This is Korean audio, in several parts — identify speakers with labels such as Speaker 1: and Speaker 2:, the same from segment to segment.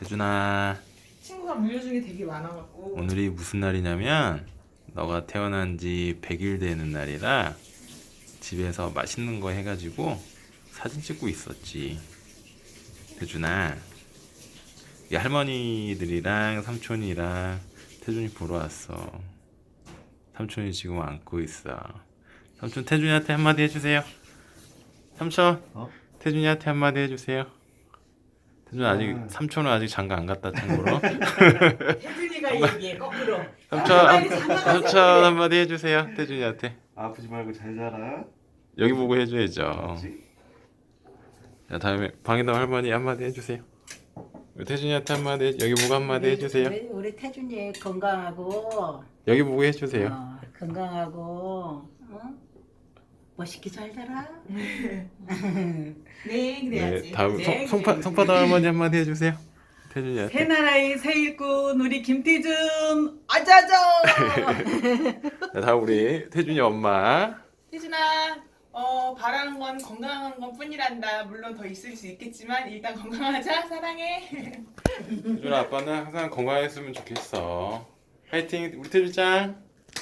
Speaker 1: 태준아,
Speaker 2: 친구가 물려준 게 되게 많아갖고.
Speaker 1: 오늘이 무슨 날이냐면 너가 태어난 지 100일 되는 날이라 집에서 맛있는 거 해가지고 사진 찍고 있었지. 태준아, 이 할머니들이랑 삼촌이랑 태준이 보러 왔어. 삼촌이 지금 안고 있어. 삼촌 태준이한테 한마디 해주세요. 삼촌, 태준이한테 한마디 해주세요. 태준 아직 삼촌은 아직 장가 안 갔다 참고로.
Speaker 2: 혜준이가 얘기해 거꾸로.
Speaker 1: 삼촌 한마디 해주세요. 태준이한테.
Speaker 3: 아프지 말고 잘 자라.
Speaker 1: 여기 보고 해줘야죠.
Speaker 3: 그렇지?
Speaker 1: 자, 다음에 방해동 할머니 한마디 해주세요. 우리 태준이한테 한마디 여기 보고 한마디 해주세요.
Speaker 4: 우리 태준이 건강하고
Speaker 1: 여기 보고 해주세요.
Speaker 4: 건강하고 멋있게 잘 자라.
Speaker 2: 네
Speaker 1: 네,
Speaker 2: 그래야지.
Speaker 1: 다음
Speaker 2: 네,
Speaker 1: 송파도 할머니 한마디 해주세요. 태준이한테.
Speaker 2: 새나라의 새일꾼 우리 김태준 아자자.
Speaker 1: 자, 다음 우리 태준이 엄마.
Speaker 2: 태준아, 바라는 건 건강한 건 뿐이란다. 물론 더 있을 수 있겠지만 일단 건강하자. 사랑해.
Speaker 1: 태준아 아빠는 항상 건강했으면 좋겠어. 화이팅 우리 태준짱.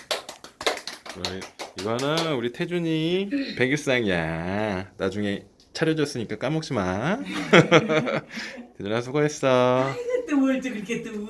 Speaker 1: 이거는 우리 태준이 100일상이야. 나중에 차려줬으니까 까먹지 마. 태준아 수고했어.
Speaker 2: 또 뭘 또 그렇게 또